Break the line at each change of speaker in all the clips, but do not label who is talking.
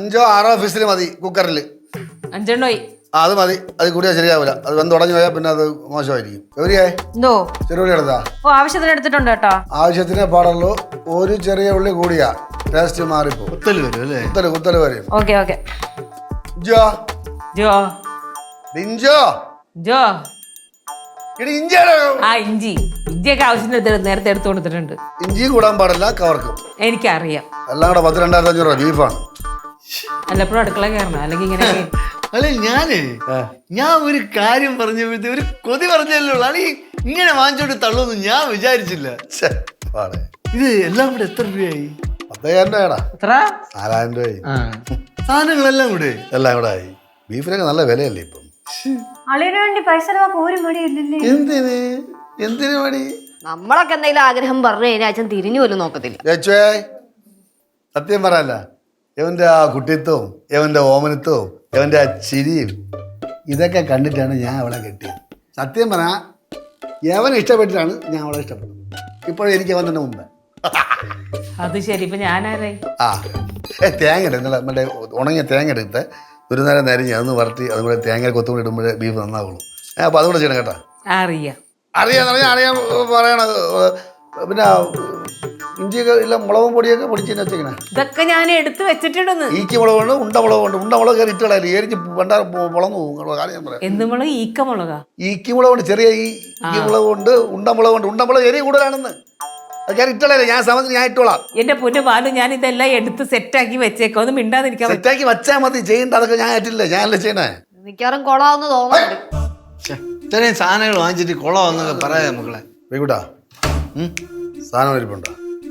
5 or 6 whistle മതി കുക്കറിൽ.
5 എണ്ണമായി.
അത് മതി. അത് കൂടിയാൽ ശരിയാവില്ല. അത് വെന്ത് ഉടഞ്ഞു പോയാൽ പിന്നെ അത് മോശമായിരിക്കും. എവിടെയാ
എന്തോ
ചെറുള്ളി എടുത്താ?
ഓ ആവശ്യത്തിന് എടുത്തിട്ടുണ്ട് കേട്ടോ.
ആവശ്യത്തിനേ പാടുള്ളൂ. ഒരു ചെറിയ ഉള്ളി കൂടിയാ ടേസ്റ്റ് മാറിപ്പോ.
കുത്തല് വരും അല്ലേ?
കുത്തല് വരും.
Okay okay.
ജോ
ജോ
ബിഞ്ചോ
ജോ
ഇഞ്ചിയുടെ
ഇഞ്ചിയൊക്കെ ആവശ്യത്തിന് നേരത്തെ എടുത്തു കൊടുത്തിട്ടുണ്ട്.
ഇഞ്ചി കൂടാൻ പാടില്ല കവർക്കും.
എനിക്കറിയാം.
എല്ലാം കൂടെ 10,2,500 രൂപ ബീഫാണ്.
വല്ലപ്പോഴും അടുക്കള കയറണം അല്ലെങ്കിൽ ഇങ്ങനെ
അല്ലെ ഞാൻ ഒരു കാര്യം പറഞ്ഞപ്പോഴത്തെ ഒരു കൊതി പറഞ്ഞല്ലോ. അല്ലെ ഇങ്ങനെ വാങ്ങിച്ചോണ്ട് തള്ളൂന്ന് ഞാൻ വിചാരിച്ചില്ല. ഇത് എല്ലാം കൂടെ എത്ര രൂപയായി?
10,000 രൂപയാടാ.
എത്ര?
4,000 രൂപയായി.
സാധനങ്ങളെല്ലാം കൂടെ
എല്ലാം കൂടെ ആയി. ബീഫിനൊക്കെ നല്ല വിലയല്ലേ ഇപ്പം.
അളിയന് വേണ്ടി പൈസ ഒരു മടിയില്ലല്ലേ?
എന്തിനു മടി?
നമ്മളൊക്കെ എന്തെങ്കിലും ആഗ്രഹം പറഞ്ഞു കഴിഞ്ഞാൽ അച്ഛൻ തിരിഞ്ഞു പോലും നോക്കത്തില്ല.
സത്യം പറയല്ല, എവന്റെ ആ കുട്ടിത്വവും എവന്റെ ഓമനത്വവും എവന്റെ ആ ചിരിയും ഇതൊക്കെ കണ്ടിട്ടാണ് ഞാൻ അവളെ കെട്ടിയത്. സത്യം പറഞ്ഞാ യവനെ ഇഷ്ടപ്പെട്ടിട്ടാണ് ഞാൻ അവളെ ഇഷ്ടപ്പെട്ടത്. ഇപ്പോഴും എനിക്ക് അവൻ തന്നെ മുമ്പ്.
അത് ശരി. ഇപ്പൊ ഞാനാരായി?
തേങ്ങ ഇടുന്നില്ല. മറ്റേ ഉണങ്ങിയ തേങ്ങ എടുത്ത് ഒരു നേരം നരിഞ്ഞ് അതൊന്ന് വരട്ടി അതും കൂടെ തേങ്ങ കൊത്തുകൂടി ഇടുമ്പോഴേ ബീഫ് നന്നാവുള്ളൂ. അപ്പോൾ അതുകൂടെ ചെയ്യണം കേട്ടോ. അറിയാന്ന് പറഞ്ഞാൽ അറിയാൻ പറയണത്. പിന്നെ ഇഞ്ചിയൊക്കെ ഇല്ല മുളകും പൊടിയൊക്കെ പൊടിച്ചു വെച്ചേക്കണേ.
ഇതൊക്കെ ഞാൻ എടുത്ത് വെച്ചിട്ടുണ്ടെന്ന്.
ഈക്കി മുളകുണ്ട്, ഉണ്ടമുളകുണ്ട്. ഉണ്ടമുളക് കയറി ഇട്ടുകളായി എരിഞ്ഞ് പണ്ടാ മുളന്നു പോകും. കാര്യം ഞാൻ പറയാം.
എന്ത് മുളക്? ഈക്ക മുളകാ? ഈക്കി
മുളകുണ്ട്, ചെറിയ ഈ മുളകുണ്ട്, ഉണ്ടമുളകുണ്ട്. ഉണ്ടമുളക് എരി കൂടുതലാണെന്ന് അത് കയറി ഇട്ടുകളല്ലേ. ഞാൻ സമയത്ത് ഞാൻ ഇട്ടോളാം.
എന്റെ പൊന്നു ബാലു, ഞാൻ ഇതെല്ലാം എടുത്ത് സെറ്റാക്കി വെച്ചേക്കാം. ഒന്നും മിണ്ടാതിരിക്കാൻ.
സെറ്റാക്കി വെച്ചാൽ മതി. ചെയ്യേണ്ട അതൊക്കെ ഞാൻ ആയിട്ടില്ല. ഞാനല്ലേ ചെയ്യണേ.
മിക്കവാറും കൊളാവുന്ന തോന്നുന്നുണ്ട്.
ഇത്രയും സാധനങ്ങൾ വാങ്ങിച്ചിട്ട് കൊളാവെന്നൊക്കെ പറയാം മക്കളെ.
വേക്കൂട്ടാ സാധനം ഇരിപ്പുണ്ടോ?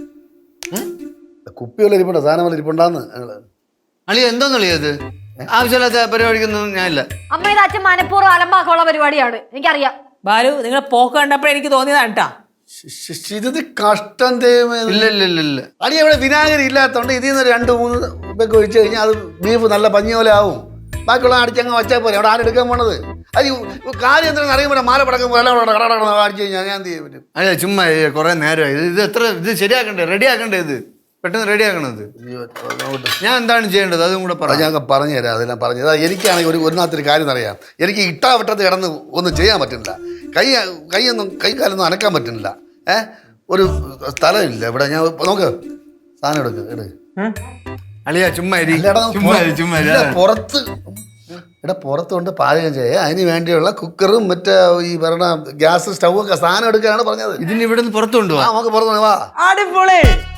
കുപ്പി വല്ല ഇരിപ്പുണ്ടോ? സാധനം വല്ല ഇരിപ്പുണ്ടാന്ന് ഞങ്ങള്.
അളിയ എന്തോന്നളിയത്? ആവശ്യമില്ലാത്ത പരിപാടിക്കൊന്നും ഞാനില്ല.
അമ്മ ഇത് അച്ഛൻ മനഃപൂർവ്വം അലമ്പാക്കുള്ള പരിപാടിയാണ്, എനിക്കറിയാം.
ബാലു, നിങ്ങളെ പോക്ക് കണ്ടപ്പോഴേ എനിക്ക് തോന്നിയതാണ് കേട്ടാ.
ഇത് കഷ്ടം.
ഇല്ല
അടി അവിടെ വിനാഗിരി ഇല്ലാത്തതുകൊണ്ട് ഇതിൽ നിന്ന് 2-3 ഉപ്പൊക്കെ ഒഴിച്ചു കഴിഞ്ഞാൽ അത് ബീഫ് നല്ല പഞ്ഞി പോലെ ആവും. ബാക്കിയുള്ള അടിച്ചങ്ങ് വെച്ചാൽ പോലെ. അവിടെ ആരെടുക്കാൻ പോണത്? അത് കാര്യം എന്തെങ്കിലും അറിയുമ്പോൾ മാല പടക്കം അടിച്ചു കഴിഞ്ഞാൽ ഞാൻ എന്ത് ചെയ്യാൻ പറ്റും?
അതെ, ചുമ്മാ കുറെ നേരമായി. ഇത് ശരിയാക്കണ്ടേ? റെഡിയാക്കണ്ടേ? ഇത് പെട്ടെന്ന് റെഡിയാക്കണത്. ഞാൻ എന്താണ് ചെയ്യേണ്ടത് അതും കൂടെ
ഞാൻ പറഞ്ഞു തരാം. അതെല്ലാം പറഞ്ഞു തരാം. എനിക്കാണെങ്കിൽ ഒന്നാത്തൊരു കാര്യം അറിയാം. എനിക്ക് ഇട്ടാവട്ടത്ത് കിടന്ന് ഒന്നും ചെയ്യാൻ പറ്റുന്നില്ല. കൈ കാലൊന്നും അനക്കാൻ പറ്റുന്നില്ല. ഒരു സ്ഥലമില്ല ഇവിടെ. ഞാൻ നോക്ക് സാധനം എടുക്ക്.
അളിയ ചുമ്മാ
പുറത്ത് കൊണ്ട് പാചകം ചെയ്യുക. അതിന് വേണ്ടിയുള്ള കുക്കറും മറ്റേ ഈ പറഞ്ഞ ഗ്യാസ് സ്റ്റൗ ഒക്കെ സാധനം എടുക്കാനാണ് പറഞ്ഞത്.
ഇതിന് ഇവിടെ നിന്ന് പുറത്തു കൊണ്ടുപോകാം.
നമുക്ക് പുറത്തു വാ.
അടിപൊളി.